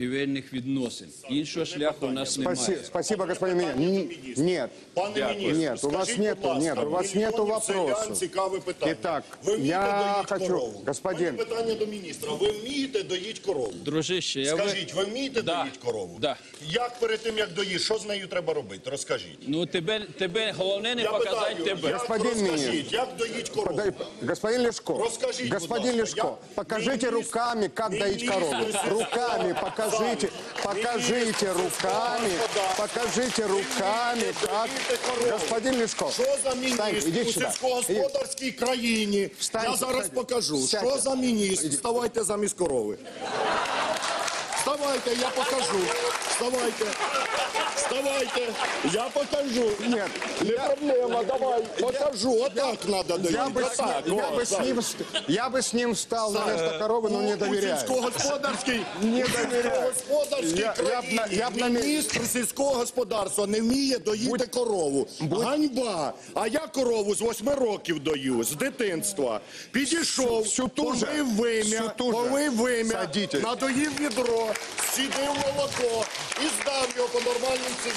торгівельних відносин. Іншого шляху у нас немає. Спасибо, господин министр. Нет. Пане міністр, Нет, у вас скажіть, нету, будь ласка, нет, у вас нету мільйонів селян вопросов. цікаве питання. Итак, Ви вмієте я доїть хочу, корову? господин. У мене питання до міністра. Ви вмієте доїть корову? Дружище, я Скажіть, ви вмієте Да. доїть корову? Да. Як перед тим, як доїш, що з нею треба робити? Розкажіть. Ну, тебе головне не Я показати питаю, тебе. як, Господин розкажіть, міністр. як доїть корову? Господин Лешко, Расскажите, господин будь ласка, Лешко, покажите министр- руками, как доить министр корову. сельского Руками покажите, министр руками, покажите руками, как... Господин Лешко, Що за встаньте, міністр идите у сюда. сільськогосподарській країні? Встаньте, Я зараз встаньте. покажу. Сядьте. Що за міністр? Вставайте замість корови. Вставайте, я покажу. Вставайте. Вставайте, я покажу. Нет, Не проблема, давай, покажу. Отак треба доїти. я бы с ним встал на место коровы, но не У доверяю. сільськогосподарській Не доверяю. Я б міністр сільського господарства не вміє доїти корову. Ганьба! А я корову з 8 років дою, з дитинства. Підійшов, Всю ту же. помив вим'я, Садитесь. надоїв відро, сідив молоко і здав його по нормальній ціні.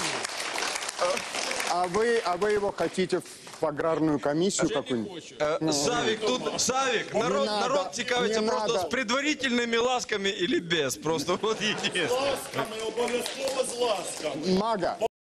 А вы его хотите в аграрную комиссию какую-нибудь? Савик, Савик, народ цікавиться не просто надо. с предварительными ласками или без. Просто вот единственное. З ласками, обов'язково з ласками. Мага.